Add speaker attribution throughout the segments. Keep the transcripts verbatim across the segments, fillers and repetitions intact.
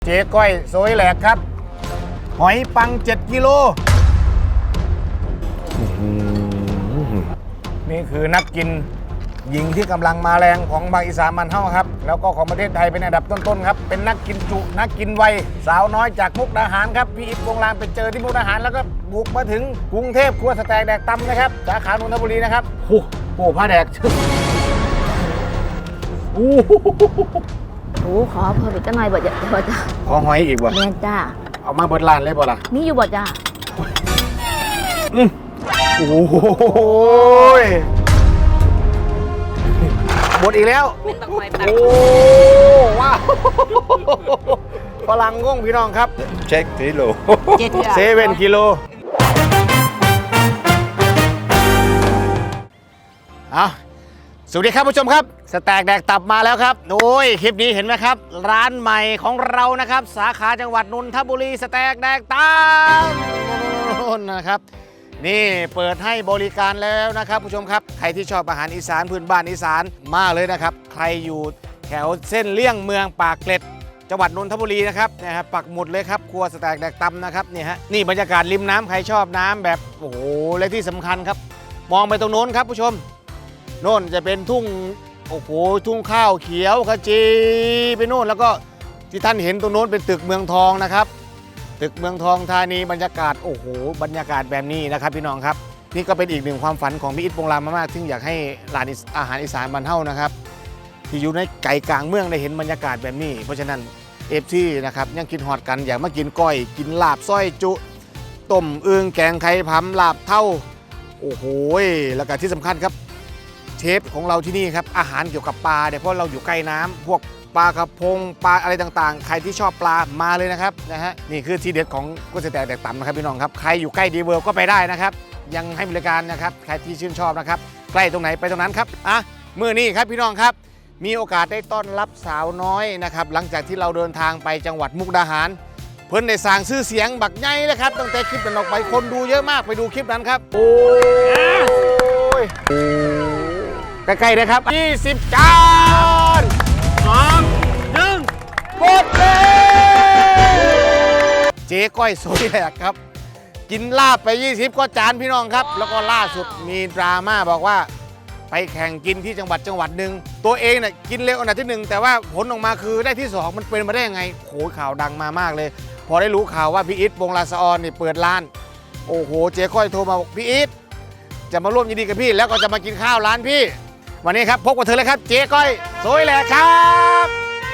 Speaker 1: เจ๊ก้อยโซยแหลกครับหอยปังเจ็ดกิโลนี่คือนักกินหญิงที่กำลังมาแรงของภาคอีสานมันเฮ้าครับแล้วก็ของประเทศไทยเป็นอันดับต้นๆครับเป็นนักกินจุนักกินไวสาวน้อยจากมุกดาหารครับพี่อิฐวงศ์ลางไปเจอที่มุกดาหารแล้วก็บุกมาถึงกรุงเทพครัวสแต็กแดกตำนะครับสาขานนทบุรีนะครับโอ้โหผ้าแดกโอ้
Speaker 2: โอ้ขอเพิ่มอีกจังหน่อยบ่จ้ะบ่จ้ะ
Speaker 1: ขอหอยอีกบ่
Speaker 2: แม่จ้า
Speaker 1: เอามาเบิดร้านเลยบ่ล่ะ
Speaker 2: มีอยู่บ่จ้า
Speaker 1: อืมโอ้ยหมดอีกแล้วโอ้ว้าวฝรั่งงงพี่น้องครับเช็คกิโลเซเว่นกิโลเอาสวัสดีครับผู้ชมครับสแต็กแดกตับมาแล้วครับโอ้ยคลิปนี้เห็นไหมครับร้านใหม่ของเรานะครับสาขาจังหวัดนนทบุรีสแต็กแดกตับนะครับนี่เปิดให้บริการแล้วนะครับผู้ชมครับใครที่ชอบอาหารอีสานพื้นบ้านอีสานมากเลยนะครับใครอยู่แถวเส้นเลี่ยงเมืองปากเกร็ดจังหวัดนนทบุรีนะครับนะครับปักหมุดเลยครับครัวสแต็กแดกตับนะครับนี่ฮะนี่บรรยากาศริมน้ำใครชอบน้ำแบบโอ้โหและที่สำคัญครับมองไปตรงโน้นครับผู้ชมโน่นจะเป็นทุ่งโอ้โหทุ่งข้าวเขียวขจีไปโน่นแล้วก็ที่ท่านเห็นตรงโน้นเป็นตึกเมืองทองนะครับตึกเมืองทองธานีบรรยากาศโอ้โหบรรยากาศแบบนี้นะครับพี่น้องครับนี่ก็เป็นอีกหนึ่งความฝันของพี่อิฐวงศ์ลามมากๆซึ่งอยากให้ร้านอาหารอีสานบ้านเฮานะครับที่อยู่ในไก่กลางเมืองได้เห็นบรรยากาศแบบนี้เพราะฉะนั้นเอฟซีนะครับยังกินฮอดกันอยากมากินก้อยกินลาบส้อยจุต้มอึ่งแกงไข่พำลาบเท่าโอ้โหแล้วก็ที่สำคัญครับเชฟของเราที่นี่ครับอาหารเกี่ยวกับปลาเนี่ยเพราะเราอยู่ใกล้น้ำพวกปลากระพงปลาอะไรต่างๆใครที่ชอบปลามาเลยนะครับนะฮะนี่คือที่เด็ดของก๋วยเตี๋ยวแดกต่ำนะครับพี่น้องครับใครอยู่ใกล้ดีเวิร์ก็ไปได้นะครับยังให้บริการนะครับใครที่ชื่นชอบนะครับใกล้ตรงไหนไปตรงนั้นครับอ่ะมื้อนี้ครับพี่น้องครับมีโอกาสได้ต้อนรับสาวน้อยนะครับหลังจากที่เราเดินทางไปจังหวัดมุกดาหารเพิ่นได้สร้างชื่อเสียงบักใหญ่เลยครับตั้งแต่คลิปนั้นออกไปคนดูเยอะมากไปดูคลิปนั้นครับโอ้ยใกล้ๆนะครับยี่สิบจานสองหนึ่งกดเลยเจ๊ก้อยโซยแหลกครับกินลาบไปยี่สิบก็จานพี่น้องครับแล้วก็ล่าสุดมีดราม่าบอกว่าไปแข่งกินที่จังหวัดจังหวัดหนึ่งตัวเองเนี่ยกินเร็วอันดับที่หนึ่งแต่ว่าผลออกมาคือได้ที่สองมันเป็นมาได้ยังไงโหข่าวดังมามากเลยพอได้รู้ข่าวว่าพี่อิฐวงศ์ลาสออนนี่เปิดร้านโอ้โหเจ๊ก้อยโทรมาบอกพี่อิฐจะมาร่วมยินดีกับพี่แล้วก็จะมากินข้าวร้านพี่วันนี้ครับพบกับเธอเลยครับเจ๊ก้อยโซยแหลกครับ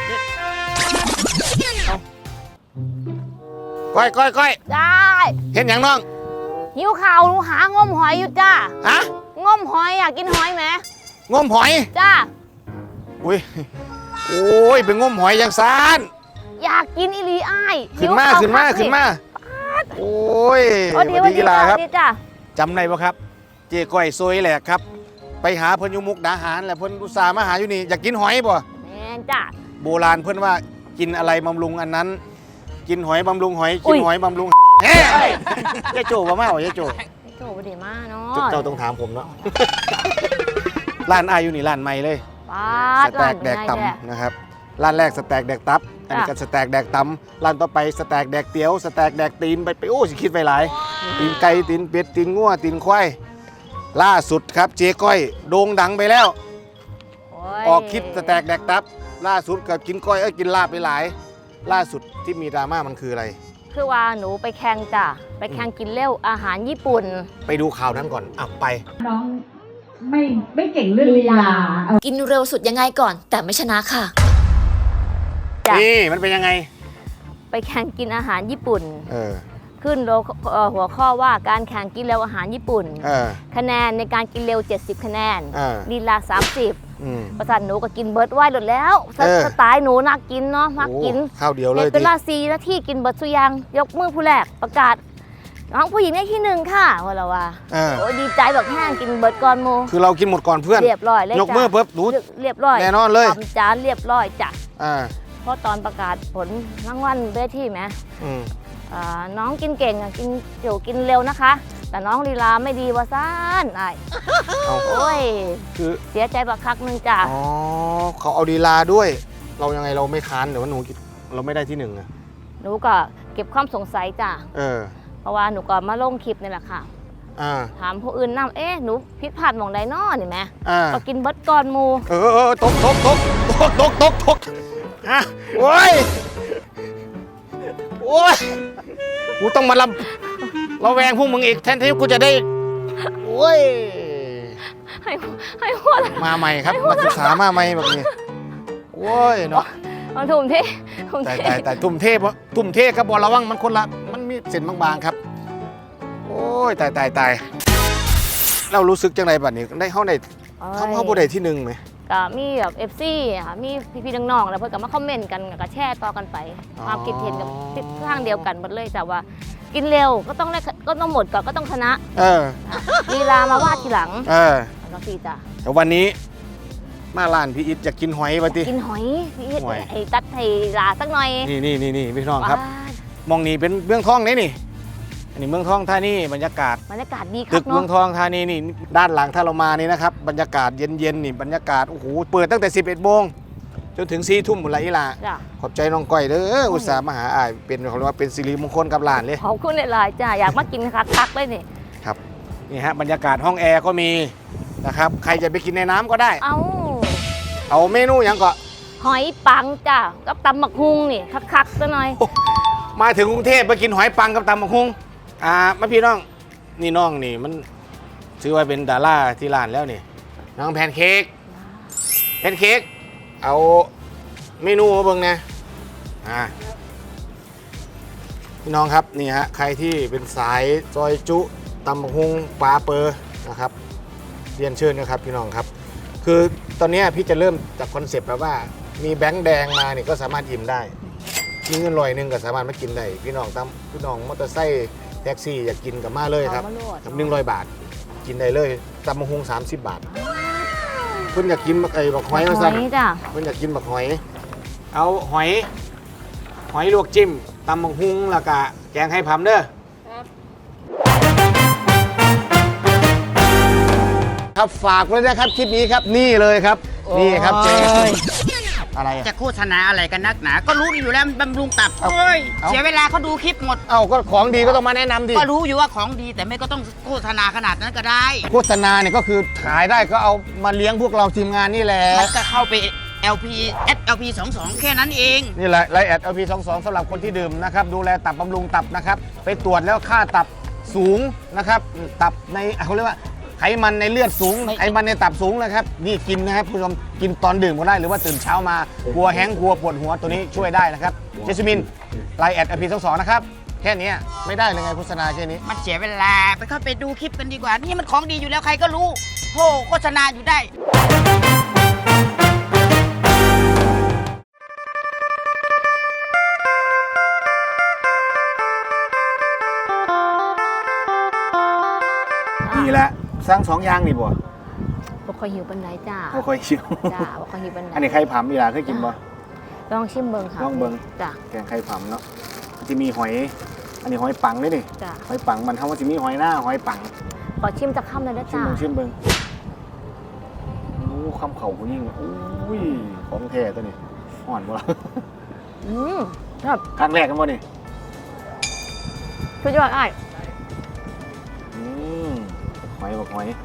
Speaker 1: ก้อยก้อยก้อย
Speaker 2: ได้
Speaker 1: เห็นอย่างน้อง
Speaker 2: หิวข่าวหนูหางมหอยอยู่จ้า
Speaker 1: ฮะ
Speaker 2: งมหอยอยากกินหอยไหม
Speaker 1: งมหอย
Speaker 2: จ้า
Speaker 1: อุ้ยโอ้ยเป็นงมหอยอย่างซาน
Speaker 2: อยากกินอีหลีอ้าย
Speaker 1: ขึ้นมาขึ้นมาขึ้นมาโอ้ย
Speaker 2: วันดีกีฬาครับ
Speaker 1: จำได้ปะครับเจ๊ก้อยโซยแหลกครับไปหาเพิ่นอยู่มุกดาหารแหละเพิ่นอุตส่าห์มาหาอยู่นี่อยากกินหอยบ่
Speaker 2: แม่นจ้า
Speaker 1: โบราณเพิ่นว่ากินอะไรบำรุงอันนั้นกินหอยบำรุงหอยกินหอยบำรุงเฮ้ยยายโจ้ว่ามาเหรอยายโจ้
Speaker 2: โจ้บ่ได้มาเนาะ
Speaker 1: เจ้าต้องถามผมเนาะร้านอาอยู่นี่ร้านใหม่เลยสแต็กแดกตำนะครับร้านแรกสแต็กแดกตับอันนี้ก็สแต็กแดกตำร้านต่อไปสแต็กแดกเตี๋ยวสแต็กแดกตีนไปไปโอ้สิคิดไปหลายตีนไก่ตีนเป็ดตีนงัวตีนควายล่าสุดครับเจ๊ก้อยโด่งดังไปแล้วออกคลิปสแต็กแดกตับล่าสุดกับกินก้อยเอ้ยกินลาบไปหลายล่าสุดที่มีดราม่ามันคืออะไร
Speaker 2: คือว่าหนูไปแข่งจ้ะไปแข่งกินเร็วอาหารญี่ปุ่น
Speaker 1: ไปดูข่าวนั้นก่อนอ่ะไป
Speaker 3: น้องไม่ไม่เก่งเรื่องลีลา
Speaker 4: กินเร็วสุดยังไงก่อนแต่ไม่ชนะค่ะ
Speaker 1: นี่มันเป็นยังไง
Speaker 2: ไปแข่งกินอาหารญี่ปุ่น
Speaker 1: เออ
Speaker 2: ขึ้นหัวข้อว่าการแข่งกินเร็วอาหารญี่ปุ่นคะแนนในการกินเร็วเจ็ดสิบคะแนนลีลาสามสิบประสานหนูก็กินเบิร์ดไว้หมดแล้วสไตล์หนูนักกินเนาะนักกิน
Speaker 1: ข้าวเดียวเลย
Speaker 2: เป็นลาซีนาที่กินเบิร์ดสุยังยกมือผู้แรกประกาศน้องผู้หญิงได้ที่หนึ่งค่ะว่าเราว่าโอ้ดีใจแบบแห้งกินเบิร์ดก่อนโม
Speaker 1: คือเรากินหมดก่อนเพื่อน
Speaker 2: เรียบร้อยเลย
Speaker 1: ยกมือเพิ่มหนู
Speaker 2: เรียบร้อย
Speaker 1: แน่นอนเลย
Speaker 2: ทำจานเรียบร้อยจ้ะเพราะตอนประกาศผลรางวัลได้ที่ไหมน้องกินเก่งกินเดี๋ยวกินเร็วนะคะแต่น้องลีลาไม่ดีว่าซ่านไอ้โอ้ยคือเสียใจบักคักนึงจ้ะ
Speaker 1: อ๋อเขาเอาลีลาด้วยเรายังไงเราไม่ค้านเดี๋ยวว่าหนูเราไม่ได้ที่หนึ่งอะ
Speaker 2: นูก็เก็บความสงสัยจ้ะ
Speaker 1: เออ
Speaker 2: เพราะว่าหนูก็มาลงคลิปนี่แหละค่ะ
Speaker 1: อ่า
Speaker 2: ถามผู้อื่นนำเอ๊ะหนูผิดพลาดหมองใดน้อนี่แหม
Speaker 1: อ่า
Speaker 2: ก็กินเบิดก่อนหมู
Speaker 1: เออเออตกตกตกตกตกตกตกฮะโอ้ยโอ้ยกูต้องมาลำระแวงพวกมึงอีกแทนที่กูจะได้โอ้ย
Speaker 2: ให้ให้หัว
Speaker 1: มาใหม่ครับนักศึกษามาใหม่แบบนี้โอ้ยเนาะ
Speaker 2: มาถุ่มที่ถุ่ม
Speaker 1: แต่
Speaker 2: ที่
Speaker 1: แต่แต่ตุ่มเทพตุ่มเทพกับบอลระวังมันคนละมันมีเส้นบางๆครับ โอ้ยตายตายตายเรารู้สึกจังไรบัดนี้ได้เข้าในเข้าเข้าบได้ที่หนึ่งไหม
Speaker 2: ก็มีแบบเอฟซีค่ะมีพี่ๆน้องๆแล้วเพื่อนก็มาคอมเมนต์กันก็แชร์ต่อกันไปความคิดเห็นกับทิศทางเดียวกันหมดเลยแต่ว่ากินเร็วก็ต้องได้ก็ต้องหมดก่อนก็ต้องชนะ
Speaker 1: เออ
Speaker 2: ลีลามาวาดทีหลัง
Speaker 1: เออ
Speaker 2: แล้วพี่จ้ะ
Speaker 1: แต่วันนี้มาร้านพี่อิทอยากกินหอยปะติ
Speaker 2: กินหอยพี่เฮ็ด
Speaker 1: หอย
Speaker 2: ไอ้ตัดให้ลาสักหน่อย
Speaker 1: นี่นี่นี่นี่พี่น้องครับ
Speaker 2: ว้าว
Speaker 1: มองนี่เป็นเมืองทองนี่นี่อันนี้เมืองทองท่านี่บรรยากาศ
Speaker 2: บรรยากาศดีค
Speaker 1: ตึ
Speaker 2: รับ
Speaker 1: กเมือง
Speaker 2: เนาะ
Speaker 1: ทองธานีนี่ด้านหลังถ้าเรามานี่นะครับบรรยากาศเย็นๆนี่บรรยากาศโอ้โหเปิดตั้งแต่สิบเอ็ดโมงจนถึงสี่ทุ่มหมดละอีหลา
Speaker 2: จ้ะ
Speaker 1: ขอบใจน้องก้อยเด้ออุตส่าห์มาหาอ้ายเป็นเขาเรียกว่าเป็นสิริมงคลกับหลานเลย
Speaker 2: ขอบคุณหลายๆจ้ะอยากมากินคักคักๆเลยนี่
Speaker 1: ครับนี่ฮะบรรยากาศห้องแอร์ก็มีนะครับใครจะไปกินในน้ำก็ได้
Speaker 2: เอ้า
Speaker 1: เอาเมนูอย่างก็
Speaker 2: หอยปังจ้ะกับตำหมักฮุงนี่คักคักๆซะหน่อย
Speaker 1: มาถึงกรุงเทพไปกินหอยปังกับตำบักหุ่งอ่ามาพี่น้องนี่น้องนี่มันชื่อว่าเป็นดาราที่ร้านแล้วนี่น้องแพนเค้กแพนเค้กเอาเมนูมาเบิ่งนะอ่าพี่น้องครับนี่ฮะใครที่เป็นสายซอยจุตำบักหุ่งปลาเปอร์นะครับเรียนเชิญนะครับพี่น้องครับคือตอนนี้พี่จะเริ่มจากคอนเซปต์แบบว่ามีแบงค์แดงมาเนี่ยก็สามารถอิ่มได้มีเงินลอยหนึ่งก็สามารถมากินได้พี่น้องตามพี่น้องมอเตอร์ไซค์แท็กซี่อยากกินกับมาเลยครับ
Speaker 2: เอามาโลด
Speaker 1: กับหนึ่งร้อยบาทกินได้เลยตำบักหุ่งสามสิบบาทเพิ่นอยากกินบักไอ้บักหอยมา
Speaker 2: ห
Speaker 1: สั่
Speaker 2: อน ยจ้ะ
Speaker 1: เพิ่นอยากกินบักหอย เอาหอย หอยลวกจิ้มตำบักหุ่งแล้วก็แกงให้พำเด้อครับฝากไว้นะครับคลิปนี้ครับนี่เลยครับ นี่ครับเจ๊อะไรอะ
Speaker 5: จะโฆษณาอะไรกันนักหนา ก็รู้อยู่แล้วบำรุงตับ
Speaker 1: เอา
Speaker 5: โอ้ย
Speaker 1: เอา
Speaker 5: เสียเวลาเขาดูคลิปหมด
Speaker 1: เอ้าก็ของดีก็ต้องมาแนะนำดิ
Speaker 5: ก็รู้อยู่ว่าของดีแต่ไม่ก็ต้องโฆษณาขนาดนั้นก็ได้
Speaker 1: โฆษณาเนี่ยก็คือขายได้ก็เอามาเลี้ยงพวกเราทีมงานนี่แหละ
Speaker 5: มันก็เข้าไป แอล พี แอด แอล พี สองสอง แค่นั้นเอง
Speaker 1: นี่แหละไลน์แอด แอล พี สองสอง สำหรับคนที่ดื่มนะครับดูแลตับบำรุงตับนะครับไปตรวจแล้วค่าตับสูงนะครับตับในเขาเรียกว่าไขมันในเลือดสูง
Speaker 5: ไม่
Speaker 1: ไขมันในตับสูงนะครับนี่กินนะครับผู้ชมกินตอนดื่มก็ได้หรือว่าตื่นเช้ามากลัวแห้งกลัวปวดหัวตัวนี้ช่วยได้นะครับเจสมินไลน์แอด แอล พี สองสอง นะครับแค่นี้ไม่ได้เลยไงโฆษณาแค่นี้
Speaker 5: มันเสียเวลาไปเข้าไปดูคลิปกันดีกว่า นี่มันของดีอยู่แล้วใครก็รู้โหโฆษณาอยู่ได้
Speaker 1: นี่แหละสร้างสองอย่างนี่บ่
Speaker 2: บ่ค่อยหิวปันไดจ้า
Speaker 1: เขาค่อยเชียว
Speaker 2: จ้าบ่ค่อยหิวปันได
Speaker 1: อันนี้ไข่ผำนี่ล่ะเคยกินบ่
Speaker 2: ลองชิมเบิ่งค่ะ
Speaker 1: ลองเบิ่ง
Speaker 2: จ้า
Speaker 1: แกงไข่ผำเนาะจะมีหอย อันนี้หอยปังด้วยนี่
Speaker 2: จ้า
Speaker 1: หอยปังมันทำว่าจะมีหอยหน้าหอยปัง
Speaker 2: ขอชิมจักคำเลยนะ
Speaker 1: ชิม
Speaker 2: จ้า
Speaker 1: เบิ่งชิมเบิ่งโอ้คำเข่าผู้ยิ่งอุ้ยของแท้ตัวนี้อ่อนบ่ล่ะ
Speaker 2: อืมครับ
Speaker 1: ครั้งแรกกันบ่นี่
Speaker 2: สุดยอดอ้าย
Speaker 1: อืมหอยบอกหอย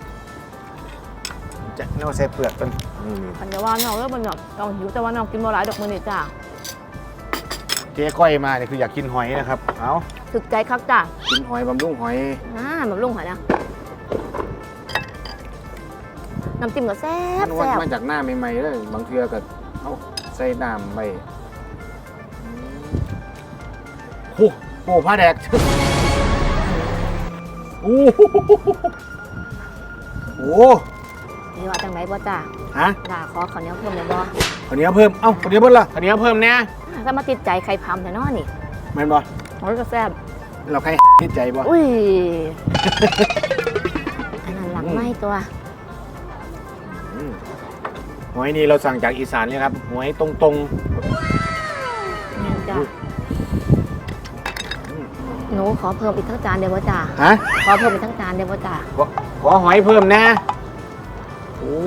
Speaker 1: จะเน่าใส่เปลือกกันนี่นี่
Speaker 2: อันเดียวว่าน้องเลิกมันเนาะน้องหิวแต่ว่าน้องกินบ่หลายดอกมื้อนี้จ้า
Speaker 1: เจ๊ก้อยมาเนี่ยคืออยากกินหอยนะครับเอา
Speaker 2: ถึกใจคักจ้า
Speaker 1: กินหอยบำรุงหอย
Speaker 2: อ่าแบบลุงหอยนะน้ำจิ้มก็แซ่บ
Speaker 1: มันวัด
Speaker 2: แซ่บ
Speaker 1: มาจากหน้าใหม่ๆเลยบางเทือก็เอาใส่น้ำไปโอ้โหผ้าแดกโอ้โหโอ้
Speaker 2: นี่ว่าจังไหนบ่จ้า
Speaker 1: ฮะ
Speaker 2: ด่าขอข้าวเหนียวเพิ่มเลยบ่
Speaker 1: ข้าวเหนียวเพิ่มเอ้าข้าวเหนียวเพิ่มละข้าวเหนียวเพิ่มเนี่ย
Speaker 2: ถ้ามาติดใจไข่พำแต่นอนี่
Speaker 1: แม่นบ่
Speaker 2: โอ้ยก็แซ่บ
Speaker 1: เราใครที่ใจบ่
Speaker 2: อุ้ยอันนั้นหลังไหม้ตัว
Speaker 1: อืมหอยนี่เราสั่งจากอีสานเลยครับหอยตรง
Speaker 2: นี่จ้าหนูขอเพิ่มอีกทั้งจานเดียวบ่จ้า
Speaker 1: ๆฮะ
Speaker 2: ขอเพิ่มอีกทั้งจานเดียวบ่จ้า
Speaker 1: ขอขอหอยเพิ่มนะโอ้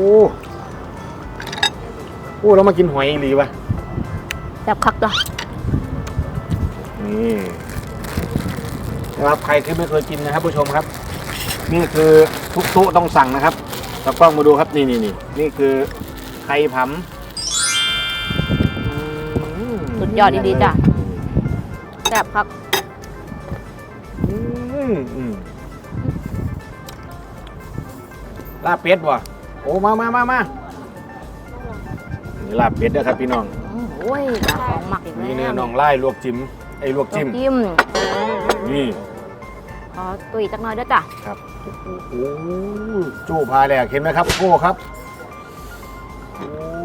Speaker 1: โอ้เรามากินหอยอีหลีวะ
Speaker 2: แซ่บคักจ้ะ
Speaker 1: นี่นะครับใครที่ไม่เคยกินนะครับผู้ชมครับ นี่คือทุกโต๊ะต้องสั่งนะครับตากล้องมาดูครับนี่นี่นี่นี่คือไข่ผำอืม
Speaker 2: สุดยอดดีๆจ้ะแซ่บครับ
Speaker 1: อืมอืมลาบเป็ดว่ะโอ้มามามามานี่ลาบเป็ดนะครับพี่น้อง
Speaker 2: อืมโอ้ยหาของหมักอีกแล้ว
Speaker 1: นี่เนื้อน่องไล่ลวกจิ้มไอ้ลวกจิ้ม
Speaker 2: จิ้ม
Speaker 1: นี่
Speaker 2: ขอตุยจักหน่อยด้วยจ้ะ
Speaker 1: ครับโอ้โหจู้พาแหลกเห็นไหมครับโก้ครับโอ้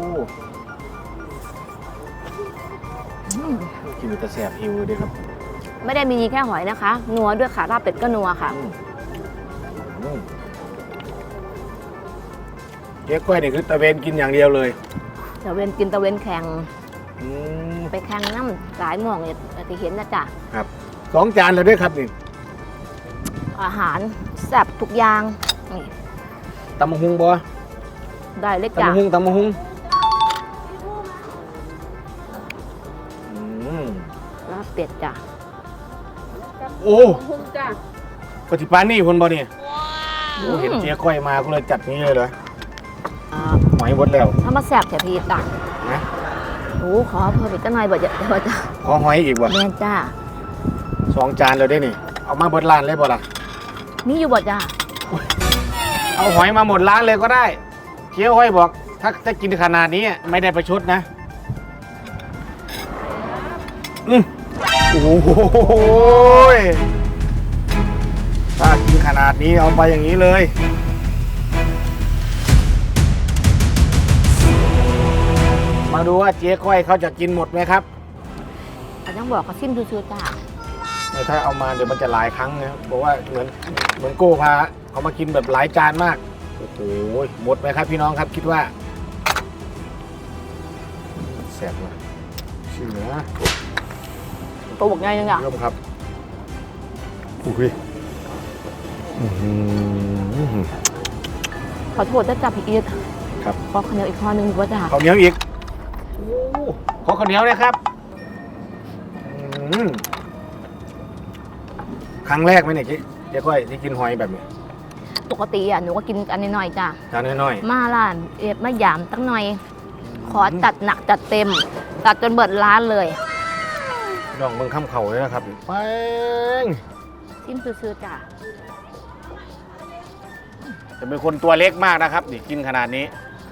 Speaker 2: อืม
Speaker 1: กินแต่แสบหิวเลยครับ
Speaker 2: ไม่ได้มีแค่หอยนะคะ นัวด้วยค่ะลาบเป็ดก็นัวค่ะ
Speaker 1: อืมอืมเจ๊กล้วยนี่คือตะเวนกินอย่างเดียวเลย
Speaker 2: ตะเวนกินตะเวนแข่ง
Speaker 1: อืม
Speaker 2: ไปแข่งน้ำสายหม่วงเนี่ยที่เห็นนะจ๊ะ
Speaker 1: ครับสองจานแล้วด้วยครับนี่
Speaker 2: อาหารแซ่บทุกอย่างนี่
Speaker 1: ตำมะฮุงบ่
Speaker 2: ได้เลย
Speaker 1: ตำ
Speaker 2: จ้ะ
Speaker 1: มะฮุงตำมะฮุงอืม
Speaker 2: ลาบเป็ดจ้ะ
Speaker 1: โอ้ปฏิปานนี่คนบ่เนี่ยโอ้เห็นเจ๊ก้อยมาก็เลยจัดนี้เลยเหรอ
Speaker 2: อ่า
Speaker 1: หอยหมดแล้ว
Speaker 2: ถ้ามาแซ่บแถพี่จ้ะ
Speaker 1: นะ
Speaker 2: โอ้ขอเพิ่มอีกจักหน่อยบ่จะบ่จะ
Speaker 1: ขอหอยอีกบ่
Speaker 2: แม่นจ้า
Speaker 1: สองจานแล้วได้นี่ เอามาเบิดร้านเลยบ่ล่ะ
Speaker 2: มีอยู่บ่จ้า
Speaker 1: เอาหอยมาหมดร้านเลยก็ได้เคี้ยวห้อยบอก ถ้าถ้ากินขนาดนี้ไม่ได้ประชดนะอืมโอ้โหถ้ากินขนาดนี้เอาไปอย่างนี้เลย มาดูว่าเจ๊ก้อยเขาจะกินหมดไหมครับ
Speaker 2: เขายังบอกเขาซิมซื่อๆจ้า
Speaker 1: ถ้าเอามาเดี๋ยวมันจะหลายครั้งนะครับบอกว่าเหมือนเหมือนโก้พาเขามากินแบบหลายจานมาก โอ้โหหมดไหมครับพี่น้องครับคิดว่าแสบมากชื่อเนื้อ
Speaker 2: ตัวบอกไงยังอ่ะ
Speaker 1: เริ่มครับอุ้ยอื้อหือ
Speaker 2: ขอโทษนะจ้าพี่อีท
Speaker 1: ครับ
Speaker 2: ขอข้าวเหนียวอีกข้อนึงบ่จ้า
Speaker 1: ข้าวเหนียวอีกโอ้ขอข้าวเหนียวนะครับอืมครั้งแรกไหมเนี่ยเจ๊เจ๊ก้อยที่กินหอยแบบนี้
Speaker 2: ปกติอ่ะหนูก็กินอันน้อยๆจ้า
Speaker 1: จานน้อย
Speaker 2: มาร้านเอ็ดมาหยามตั้งหน่อย ขอจัดหนักจัดเต็มจัดจนเบิดร้านเลย
Speaker 1: ๆลองเบิ่งข้ามเข่าเลยนะครับไปง
Speaker 2: ซิมซื่อๆจ้า
Speaker 1: จะเป็นคนตัวเล็กมากนะครับนี่กินขนาดนี้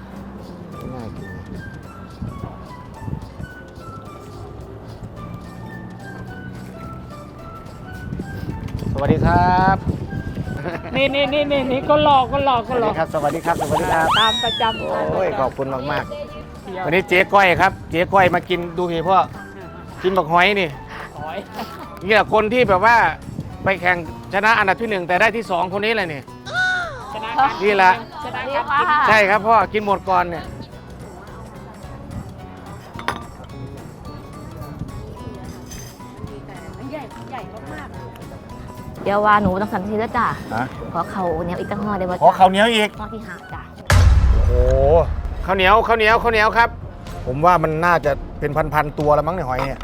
Speaker 1: สวัสดีครับ
Speaker 3: นี่นี่นี่นี่นี่ก็หลอกก็หลอก
Speaker 1: ส
Speaker 3: ก็
Speaker 1: วัส
Speaker 3: หล
Speaker 1: ดี
Speaker 3: อก
Speaker 1: ครับสวัสดีครับสวัสดีครับ
Speaker 3: ตามประจำ
Speaker 1: โอ้ยขอบคุณมากๆวันนี้เจ๊ก้อยครับเจ๊ก้อยมากินดูพี่พ่อกินบักหอยนี่
Speaker 3: หอย
Speaker 1: นี่แหละคนที่แบบว่าไปแข่งชนะอันดับที่หนึ่งแต่ได้ที่สองคนนี้แหละนี่
Speaker 3: ชนะการ
Speaker 1: นี่แหละ
Speaker 3: ชนะการกิน
Speaker 1: ใช่ครับพ่อกินหมดก่อนเนี่ย
Speaker 2: เดี๋ยวว่าหนูต้องสั่งทีแล้วจ้า
Speaker 1: ฮะ
Speaker 2: ขอเขาวเหนียวอีกตั้งห่อได้บ่
Speaker 1: ขอ
Speaker 2: จ้า
Speaker 1: ข้าวเหนียวอีก
Speaker 2: ห่อที่ห้าจ้า
Speaker 1: โอ้โหข้าวเหนียวข้าวเหนียวข้าวเหนียวครับ ผมว่ามันน่าจะเป็นพันๆตัวแล้วมั้งในยหอยเนี่ย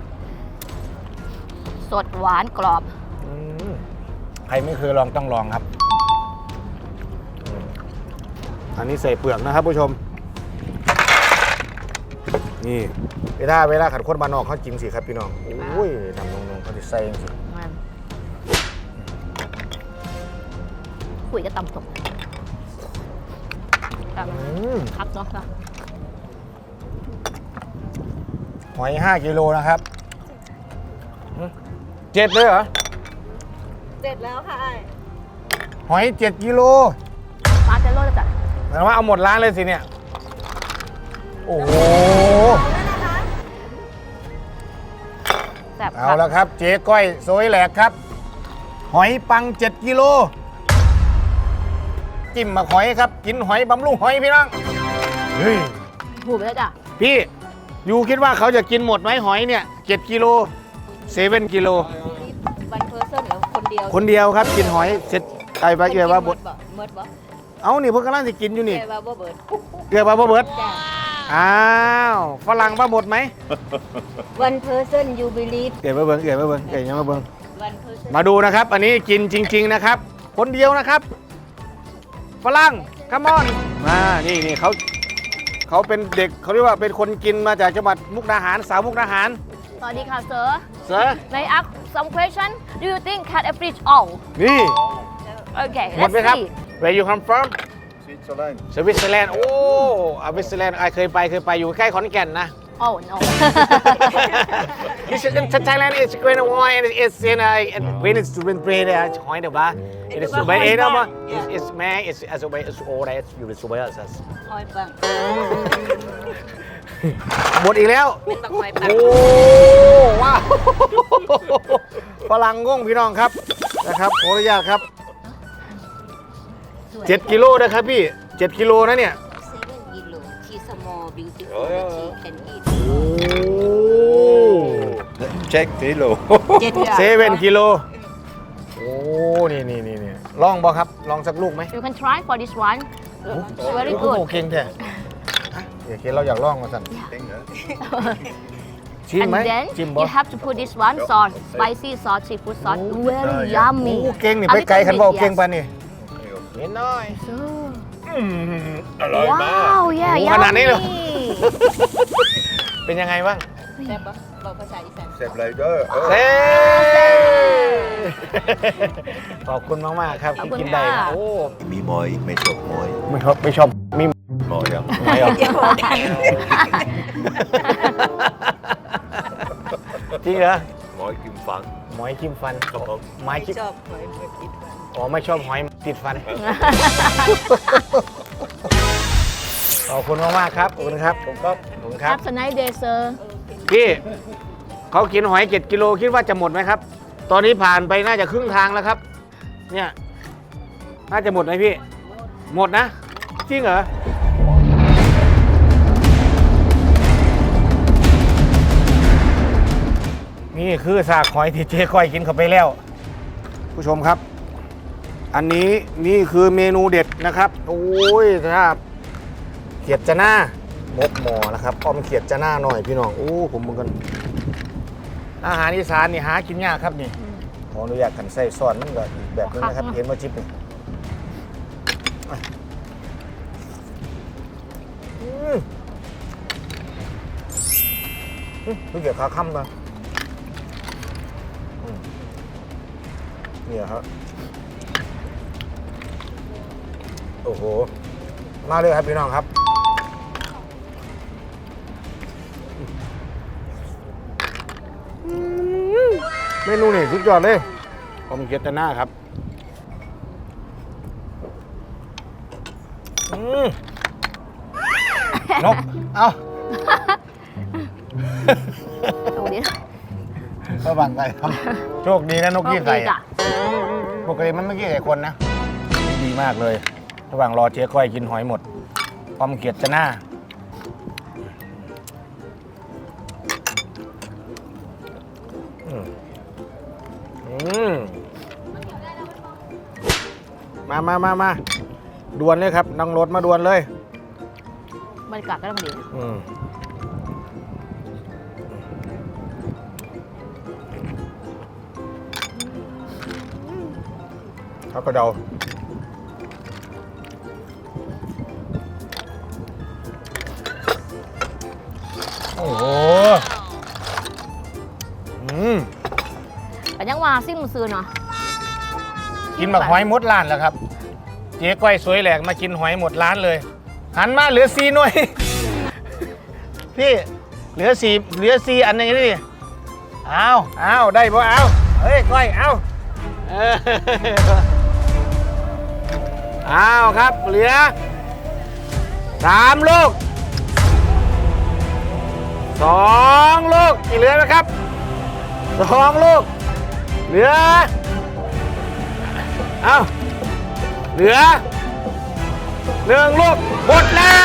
Speaker 2: สดหวานกรอบ
Speaker 1: อืมใครไม่เคยลองต้องลองครับอืมอันนี้ใส่เปลือกนะครับผู้ชม นี่เวลาเวลาขัดข้นบานนอกเขากินสิครับพี่น้องโอ้ยนำนงๆเขาจะใส่สิ
Speaker 2: มันคุยจะตำสมครับ
Speaker 1: อืม
Speaker 2: ครับเนาะค่ะ
Speaker 1: หอยห้ากิโลนะครับอืมเจ็ดเลยเหรอ
Speaker 3: เสร็จแล้วค่ะ
Speaker 1: หอยเจ็ดกิโล
Speaker 2: ปลาเจโร่จ้ะ
Speaker 1: แปลว่าเอาหมดร้านเลยสิเนี่ย โอ้โห
Speaker 2: แซ่บ
Speaker 1: เอาแล้วครับ เจ๊ก้อยโซยแหลกครับ หอยปังเจ็ดกิโล จิ้มมาหอยครับ กินหอยบำรุงหอยพี่น้อง เฮ้ย
Speaker 2: ถูกไปแล้วจ้ะ
Speaker 1: พี่ยูคิดว่าเขาจะกินหมดไหมหอยเนี่ยเจ็ดกิโลเซเว่นกิโล
Speaker 3: วันเพอร์เซนหรือคนเดียว
Speaker 1: คนเดียวครับกินหอยเสร็จไอ้ใบเกลือว่าบด
Speaker 3: เมิดบ่
Speaker 1: เอานี่เพิ่งกำลังจะกินอยู่นี่
Speaker 3: เกว่าบ่เบิด
Speaker 1: เกลือว่าบ่เบิด
Speaker 3: จ้า
Speaker 1: อ้าวฝรั่งมาหมดไหม
Speaker 3: one person you believe
Speaker 1: เกิดมาเบิ้งเกิดมาเบิ้งเกิดยังมาเบิ้ง
Speaker 3: one person
Speaker 1: มาดูนะครับ อันนี้กินจริง ๆนะครับ คนเดียวนะครับฝรั่งคัมอนมานี่นี่เขาเขาเป็นเด็กเขาเรียกว่าเป็นคนกินมาจากจังหวัดมุกดาหารสาวมุกดาหาร
Speaker 2: สวัสดีค่ะ sir
Speaker 1: Sir
Speaker 2: May I ask some question Do you think cat a fish all
Speaker 1: นี่
Speaker 2: Okay
Speaker 1: หมด
Speaker 2: let's
Speaker 1: ไหมครับ
Speaker 2: see
Speaker 1: Where you come from
Speaker 6: Switzerland.
Speaker 1: สวิตเซอร์แลนด์โอ้สวิตเซอร์แลนด์ไอเคยไปเคยไปอยู่ใกล้ขอนแก่นนะ
Speaker 2: Oh no
Speaker 1: This is in Thailand is going on and it's in a when it's to been bread หอยเดี๋ยวบ้า it is ไปเองนะมั้ง it's man it's as a way it's all that you will survive us
Speaker 3: หอยปัง
Speaker 1: หมดอีกแล้ว
Speaker 3: เป็นบักหอยปัง
Speaker 1: โอ้ว้าวฝรั่งงงพี่น้องครับนะครับขออนุญาตครับเจ็ดกิโลนะครับพี่เจ็ดกิโลนะเนี่ย
Speaker 3: seven kilo she's small beautiful
Speaker 6: Oh, yeah.
Speaker 3: she can eat
Speaker 1: โอ้
Speaker 6: Check kilo.
Speaker 3: เจ็ด
Speaker 1: เซเว่นกิโลโอ้นี่นี่นี่นี่ลองบ่ครับลองสักลูกไหม
Speaker 2: You can try for this one It's very
Speaker 1: โอ้
Speaker 2: good
Speaker 1: เก่งแท้อ่ะเดี๋ยวเคเราอยากลองมาสั่น
Speaker 6: Ding, hè?
Speaker 1: ชิม
Speaker 2: And
Speaker 1: ไหม
Speaker 2: then
Speaker 1: ชิมบ่
Speaker 2: you have to put this one sauce spicy sauce seafood sauce very
Speaker 1: โอ้
Speaker 2: yummy
Speaker 1: เก่งนี่
Speaker 2: A
Speaker 1: ไปไกล
Speaker 2: little
Speaker 1: คัน
Speaker 2: bit,
Speaker 1: บ่
Speaker 2: yes.
Speaker 1: เก่งปานนี่นิดหน่อย
Speaker 2: So
Speaker 1: อืม
Speaker 2: Wow yeah
Speaker 1: โอ้ขนาดนี้เลย
Speaker 2: yummy
Speaker 1: เป็นยังไงบ้าง
Speaker 3: แซ่บปะบอกภาษาอีสาน
Speaker 6: Zet blijven.
Speaker 1: เซ่
Speaker 6: Oh.
Speaker 1: ขอบคุณมาก ๆ ครับ
Speaker 2: ขอบ
Speaker 1: ที่
Speaker 2: คุณ
Speaker 1: กินได้
Speaker 2: ค่ะ
Speaker 1: โอ้
Speaker 6: Mi mooi, met op mooi.
Speaker 1: ไม่ชอบไม่ชอบมี
Speaker 6: Mooi, ja.
Speaker 1: ไม่หรอกจริงเหรอ
Speaker 6: Mooi, kim van.
Speaker 1: หมอยจิ้มฟัน
Speaker 6: Kom op.
Speaker 1: ไม้จิ้ม
Speaker 3: ชอบหอยหอยติดฟัน
Speaker 1: อ๋อไม่ชอบหอยติดฟัน ขอบคุณมาก ๆ ครับ ขอบคุณครับผมก็ขอบคุณครับ
Speaker 2: Have a nice day sir
Speaker 1: พี่เขากินหอยเจ็ดกิโลคิดว่าจะหมดไหมครับ ตอนนี้ผ่านไปน่าจะครึ่งทางแล้วครับ เนี่ย น่าจะหมดไหมพี่ หมดนะ จริงเหรอ นี่คือสากหอยที่เจ๊ก้อยกินเข้าไปแล้ว ผู้ชมครับ อันนี้นี่คือเมนูเด็ดนะครับ โอ้ยถ้าเขียดจะหน้ามกหมอนะครับอ้อมเขียดจะหน้าหน่อยพี่น้องโอ้ผมมึงกันอาหารอีสานนี่หากินยากครับนี่ขออนุญาตกันใส่ซอสมันก็อีกแบบนึงนะครับ เห็นว่าจิ๊บนี่อ่ะอืมอืมรู้เกี่ยวกับขาค่ำนะอืมเนี่ยครับโอ้โหมาเลยครับพี่น้องครับเมนูนี่สุดยอดเลยผมเกียรติหน้าครับอืมนก เอา
Speaker 2: ตรงนี้
Speaker 1: ระวังไก่ครับโชคดีนะนกยี่ไก่
Speaker 2: โชคดีจ้ะ
Speaker 1: ปกติมันไม่กี่ไก่คนนะ ดีมากเลย ระหว่างรอเจ๊ก้อยกินหอยหมดความเกียรติหน้าอืมอืมมามามามาด่วนเลยครับนั่งรถมาด่วนเลย
Speaker 2: บรรยากาศก็ต้องดี
Speaker 1: อืมเขาก็เดาโอ้โหอืม
Speaker 2: แต่ยังว่าซิ่งมันซื้อเนาะ
Speaker 1: กินแบบหอยหมดร้านแล้วครับ เจ๊ก้อยสวยแหลกมากินหอยหมดร้านเลย หันมาเหลือซีหน่วย พี่เหลือสี่เหลือซีอันหนึงนี่เอาเอาได้ป่ะเอาเฮ้ยก้อยเอาเออเอาครับเหลือสามลูกสองลูกอีกเหลือไหมครับสองลูกเหลือเอาเหลือหนึ่งลูกหมดแล้ว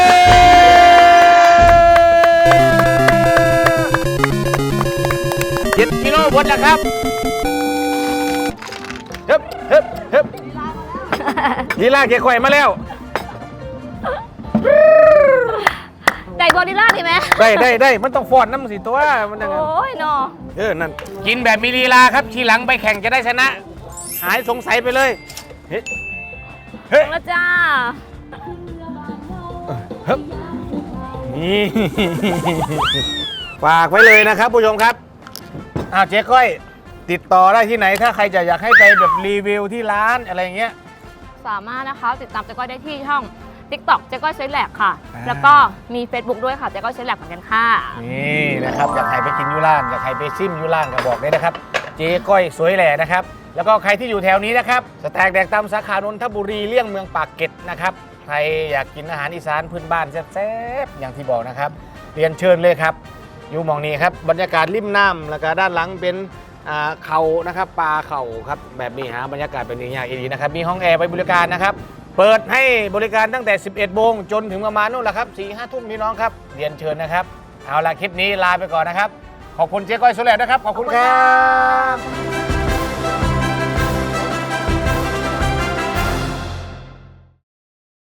Speaker 1: เจ็ดกิโลหมดแล้วครับเฮ้บเฮ้บเฮ้บลีลาเก๋ข่อยมาแล้ว
Speaker 2: ไก่กอริลลาดีไหม
Speaker 1: ได้ได้ได้มันต้องฟอนน้ำสิตัวมันยังไง
Speaker 2: โอ้ยเนาะ
Speaker 1: เออนั่นกินแบบมีลีลาครับทีหลังไปแข่งจะได้ชนะ หายสงสัยไปเลยเฮ้ยเฮ้ย
Speaker 2: แล้วจ้า
Speaker 1: เฮ้ยนี่ ฝากไว้เลยนะครับผู้ชมครับอ้าวเจ๊ก้อยติดต่อได้ที่ไหนถ้าใครจะอยากให้ไปแบบรีวิวที่ร้านอะไรอย่างเงี้ย
Speaker 2: สามารถนะคะติดตามเจ๊ก้อยได้ที่ช่อง TikTok เจ๊ก้อยเซแลกค่ะ
Speaker 1: อ่า
Speaker 2: แล้วก็มี Facebook ด้วยค่ะเจ๊ก้อยเซแลกเหมือนกันค่ะ
Speaker 1: นี่นะครับอยากให้ไปกินยูร้านอยากให้ไปซิมยูร้านก็บอกเลยนะครับ เจ๊ก้อยสวยแหล่นะครับแล้วก็ใครที่อยู่แถวนี้นะครับสแต็กแดกตำสาขานนทบุรีเลี่ยงเมืองปากเกร็ดนะครับใครอยากกินอาหารอีสานพื้นบ้านแซ่บๆอย่างที่บอกนะครับเรียนเชิญเลยครับอยู่หมองนี้ครับบรรยากาศริมน้ำแล้วก็ด้านหลังเป็นอ่าเขานะครับปลาเขาครับแบบนี้ฮะบรรยากาศเป็นอย่างนี้ดีนะครับมีห้องแอร์ไว้บริการนะครับเปิดให้บริการตั้งแต่ สิบเอ็ดโมงจนถึงประมาณนู่นแหละครับสี่ห้าทุ่มพี่น้องครับเรียนเชิญนะครับเอาละคลิปนี้ลาไปก่อนนะครับขอบคุณเจ๊ก้อยสวยแหล่นะครับขอบคุณครับ